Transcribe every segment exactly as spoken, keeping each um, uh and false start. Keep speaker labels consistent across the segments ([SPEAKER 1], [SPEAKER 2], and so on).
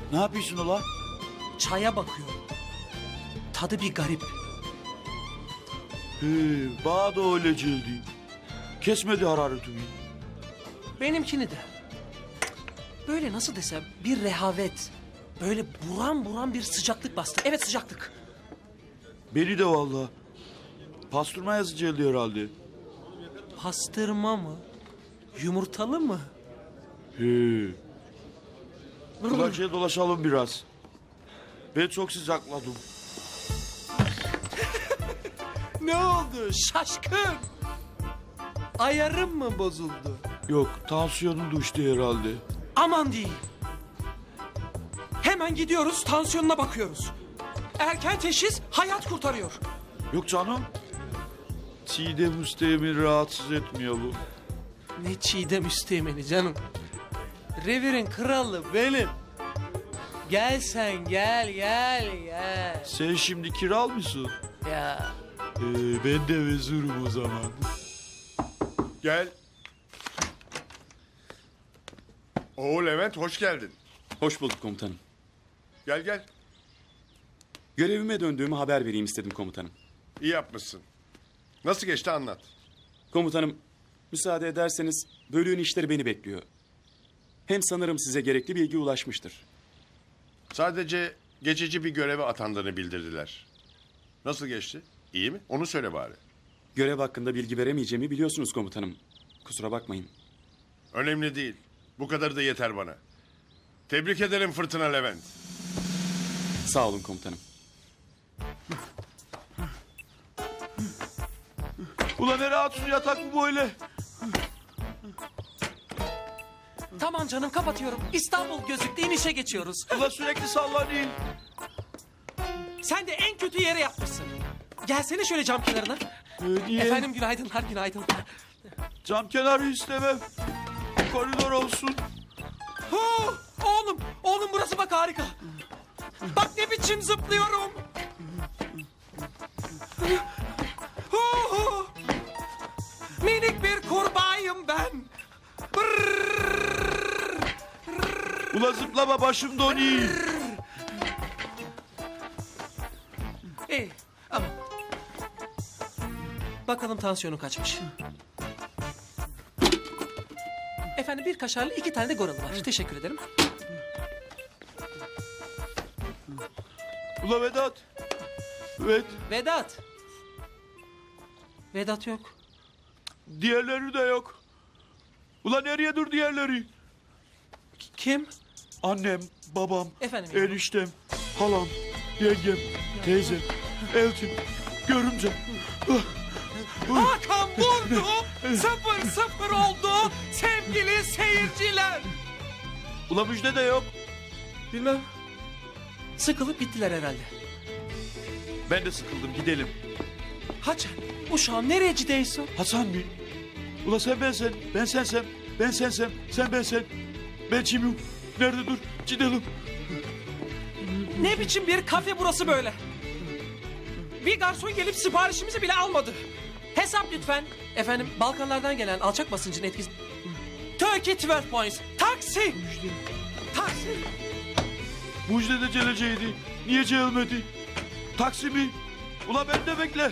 [SPEAKER 1] Ne yapıyorsun ulan?
[SPEAKER 2] Çaya bakıyorum. Tadı bir garip.
[SPEAKER 1] He, bana da öyle geldi. Kesmedi hararetimi.
[SPEAKER 2] Benimkini de. Böyle nasıl desem bir rehavet. Böyle buram buram bir sıcaklık bastı. Evet, sıcaklık.
[SPEAKER 1] Beni de vallahi. Pastırma yazı geldi herhalde.
[SPEAKER 2] Pastırma mı? Yumurtalı mı?
[SPEAKER 1] He. Kulakçıya dolaşalım biraz. Ben çok sıcakladım.
[SPEAKER 2] Ne oldu şaşkın? Ayarım mı bozuldu?
[SPEAKER 1] Yok, tansiyonun düştü herhalde.
[SPEAKER 2] Aman değil. Hemen gidiyoruz, tansiyonuna bakıyoruz. Erken teşhis hayat kurtarıyor.
[SPEAKER 1] Yok canım. Çiğdem Üsteğmen'i rahatsız etmiyor bu.
[SPEAKER 2] Ne Çiğdem Üsteğmen'i canım. Revirin kralı benim. Gel sen, gel gel gel.
[SPEAKER 1] Sen şimdi kiral mısın?
[SPEAKER 2] Ya
[SPEAKER 1] Ee, ben de vezirim o zaman.
[SPEAKER 3] Gel. Oo Levent, hoş geldin.
[SPEAKER 4] Hoş bulduk komutanım.
[SPEAKER 3] Gel gel.
[SPEAKER 4] Görevime döndüğümü haber vereyim istedim komutanım.
[SPEAKER 3] İyi yapmışsın. Nasıl geçti anlat.
[SPEAKER 4] Komutanım, müsaade ederseniz bölüğün işleri beni bekliyor. Hem sanırım size gerekli bilgi ulaşmıştır.
[SPEAKER 3] Sadece geçici bir göreve atandığını bildirdiler. Nasıl geçti? İyi mi? Onu söyle bari.
[SPEAKER 4] Görev hakkında bilgi veremeyeceğimi biliyorsunuz komutanım. Kusura bakmayın.
[SPEAKER 3] Önemli değil. Bu kadarı da yeter bana. Tebrik ederim Fırtına Levent.
[SPEAKER 4] Sağ olun komutanım.
[SPEAKER 1] Ulan ne rahatsız yatak mı böyle?
[SPEAKER 2] tamam canım, kapatıyorum. İstanbul gözüktü, inişe geçiyoruz.
[SPEAKER 1] Ulan sürekli sallanayım.
[SPEAKER 2] Sen de en kötü yere yapmışsın. Gelsene şöyle cam kenarına.
[SPEAKER 1] Ee, niye?
[SPEAKER 2] Efendim günaydınlar, günaydınlar.
[SPEAKER 1] Cam kenarı istemem. Koridor olsun.
[SPEAKER 2] Hu, oğlum, oğlum burası bak harika. Bak ne biçim zıplıyorum. Hu, hu. Minik bir kurbağayım ben. Brrr.
[SPEAKER 1] Ulan zıplama, başım donuyor.
[SPEAKER 2] İyi ama bakalım tansiyonu kaçmış. Efendim bir kaşarlı iki tane de goralı var. Teşekkür ederim.
[SPEAKER 1] Ulan Vedat. Evet.
[SPEAKER 2] Vedat. Vedat yok.
[SPEAKER 1] Diğerleri de yok. Ulan nereye dur diğerleri?
[SPEAKER 2] K- Kim?
[SPEAKER 1] Annem, babam,
[SPEAKER 2] Efendim yavrum?
[SPEAKER 1] eniştem, halam, yengem, teyzem, eltim, görümcem.
[SPEAKER 2] Hakan vurdu. Sıfır sıfır oldu. Sevgili seyirciler.
[SPEAKER 1] Ulan müjde de yok.
[SPEAKER 2] Bilmem. Sıkılıp gittiler herhalde.
[SPEAKER 1] Ben de sıkıldım, gidelim.
[SPEAKER 2] Haçan, uşağım nereye gidiyorsun?
[SPEAKER 1] Hasan mı? Ulan sen ben sen, ben sensem, ben sensem, sen ben sen. Ben kimim? Nerede dur? Gidelim.
[SPEAKER 2] Ne biçim bir kafe burası böyle? Bir garson gelip siparişimizi bile almadı. Hesap lütfen. Efendim Balkanlardan gelen alçak basıncın etkisi. Turkey on iki points. Taksi. Taksi.
[SPEAKER 1] Müjde de geleceğiydi. Niye gelmedi? Taksi mi? Ulan ben de bekle.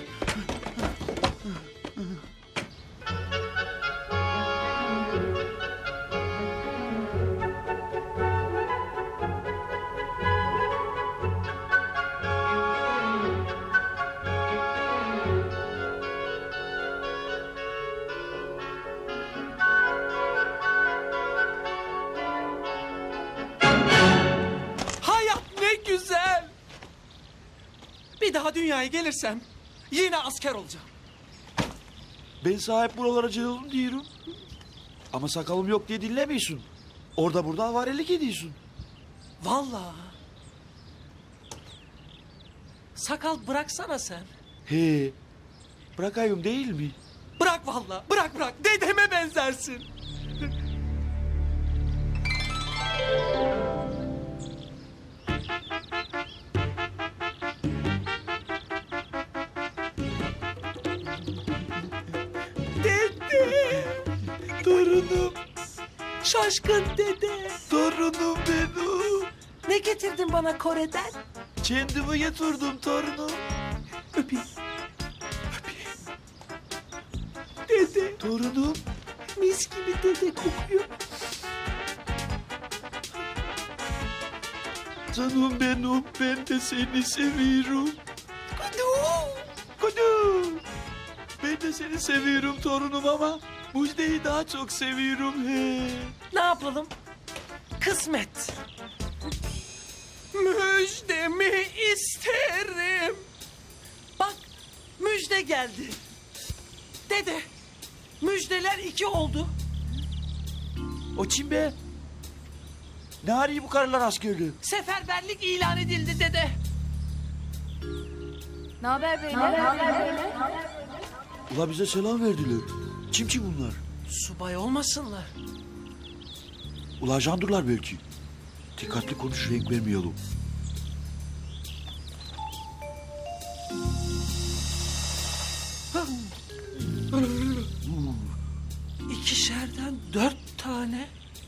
[SPEAKER 2] Hayat ne güzel. Bir daha dünyaya gelirsem yine asker olacağım.
[SPEAKER 1] Ben sahip buralara geldim diyorum. Ama sakalım yok diye dinlemiyorsun. Orada burada avarelik ediyorsun.
[SPEAKER 2] Vallahi. Sakal bıraksana sen.
[SPEAKER 1] He. Bırakayım değil mi?
[SPEAKER 2] Bırak vallahi, bırak bırak. Dedeme benzersin. Dede.
[SPEAKER 1] Torunum,
[SPEAKER 2] Şaşkın dede.
[SPEAKER 1] torunum benim.
[SPEAKER 2] Ne getirdin bana Kore'den?
[SPEAKER 1] Kendimi getirdim torunum.
[SPEAKER 2] Öpeyim. Dede,
[SPEAKER 1] Torunum.
[SPEAKER 2] mis gibi dede kokuyor.
[SPEAKER 1] Canım benim, ben de seni seviyorum. Kudu, kudu. Ben de seni seviyorum torunum ama Müjde'yi daha çok seviyorum he.
[SPEAKER 2] Ne yapalım? Kısmet. Müjdemi isterim. Bak, müjde geldi. Dede, müjdeler iki oldu.
[SPEAKER 1] O kim be? Ne arıyor bu karılar askerliği?
[SPEAKER 2] Seferberlik ilan edildi dede.
[SPEAKER 5] Ne haber beyler?
[SPEAKER 1] Ula bize selam verdiler. Kim ki bunlar?
[SPEAKER 2] Subay olmasınlar.
[SPEAKER 1] Ula jandurlar belki. Dikkatli konuş, renk vermeyelim.
[SPEAKER 2] İkişerden dört tane.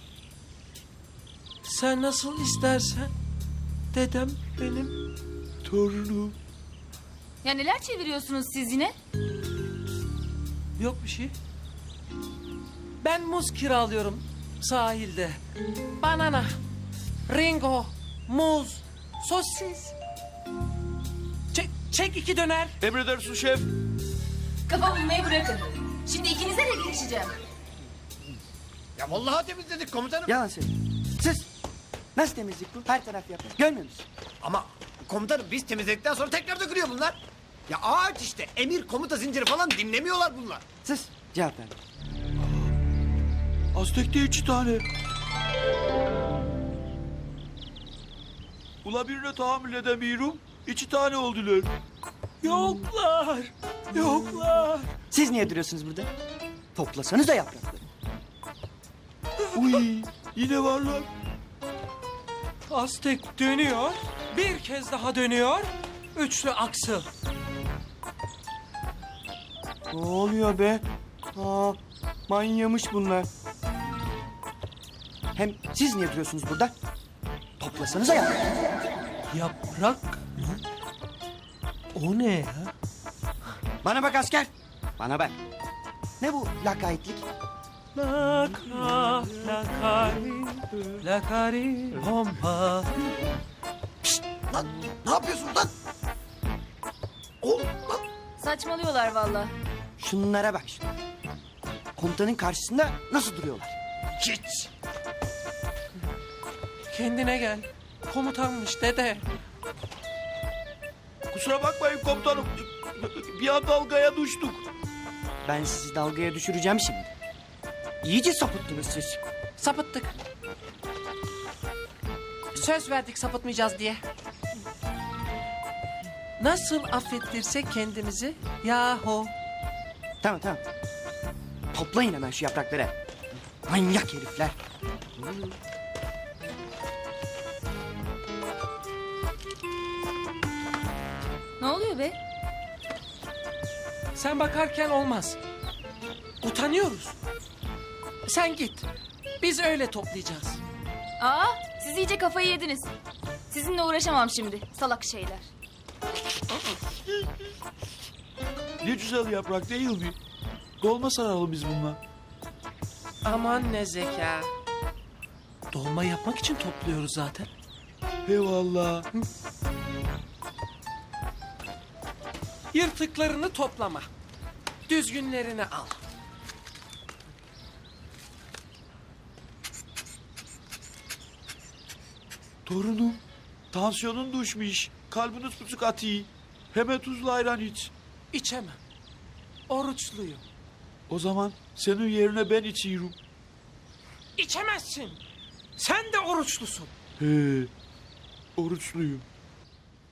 [SPEAKER 2] Sen nasıl istersen. Dedem benim.
[SPEAKER 1] Torunum.
[SPEAKER 5] Ya neler çeviriyorsunuz siz yine?
[SPEAKER 2] Yok bir şey. Ben muz kiralıyorum sahilde. Banana, ringo, muz, sosis. Çek, çek iki döner.
[SPEAKER 1] Emredersin şef.
[SPEAKER 5] Kafa bulmayı bırakın. Şimdi ikinize de girişeceğim.
[SPEAKER 6] Ya vallahi temizledik komutanım.
[SPEAKER 7] Yalan söyle. Siz nasıl temizlik bu? Her taraf yapıyor. Görmüyor musun?
[SPEAKER 6] Ama komutanım biz temizledikten sonra tekrar dökülüyor bunlar. Ya ağaç işte emir komuta zinciri falan dinlemiyorlar bunlar.
[SPEAKER 7] Sus. Cevap ver.
[SPEAKER 1] Aztek'te iki tane. Ula birine tahammül edemiyorum. İki tane oldular.
[SPEAKER 2] Yoklar, yoklar.
[SPEAKER 7] Siz niye duruyorsunuz burada? Toplasanız da yaprakları.
[SPEAKER 1] Uy, yine varlar.
[SPEAKER 2] Aztek dönüyor, bir kez daha dönüyor. Üçlü aksıl.
[SPEAKER 7] Ne oluyor be? Aa, manyamış bunlar. Hem siz niye duruyorsunuz burada? Toplasanız da yaprakları.
[SPEAKER 2] Yaprak mı? O ne ya?
[SPEAKER 7] Bana bak asker. Bana bak. Ne bu lakaytlık?
[SPEAKER 2] Laka, lakari, lakari, pompa.
[SPEAKER 6] Lan ne yapıyorsun lan? Oğlum lan.
[SPEAKER 5] Saçmalıyorlar vallahi.
[SPEAKER 7] Şunlara bak şuna. Komutanın karşısında nasıl duruyorlar?
[SPEAKER 6] Hiç.
[SPEAKER 2] Kendine gel. Komutanmış dede.
[SPEAKER 1] Kusura bakmayın komutanım. Bir an dalgaya düştük.
[SPEAKER 7] Ben sizi dalgaya düşüreceğim şimdi. İyice sapıttınız siz.
[SPEAKER 2] Sapıttık. Söz verdik sapıtmayacağız diye. Nasıl affettirsek kendimizi yahu.
[SPEAKER 7] Tamam tamam. Toplayın hemen şu yaprakları. Manyak herifler.
[SPEAKER 5] Ne oluyor be?
[SPEAKER 2] Sen bakarken olmaz. Utanıyoruz. Sen git. Biz öyle toplayacağız.
[SPEAKER 5] Aa, siz iyice kafayı yediniz. Sizinle uğraşamam şimdi. Salak şeyler.
[SPEAKER 1] Ne güzel yaprak değil mi? Dolma saralım biz bununla.
[SPEAKER 2] Aman ne zeka. Dolma yapmak için topluyoruz zaten.
[SPEAKER 1] Eyvallah.
[SPEAKER 2] Yırtıklarını toplama. Düzgünlerini al.
[SPEAKER 1] Torunum, tansiyonun düşmüş. Kalbiniz tutuk atıyor. Hemen tuzlu ayran iç.
[SPEAKER 2] İçemem. Oruçluyum.
[SPEAKER 1] O zaman senin yerine ben içiyorum.
[SPEAKER 2] İçemezsin. Sen de oruçlusun.
[SPEAKER 1] He, oruçluyum.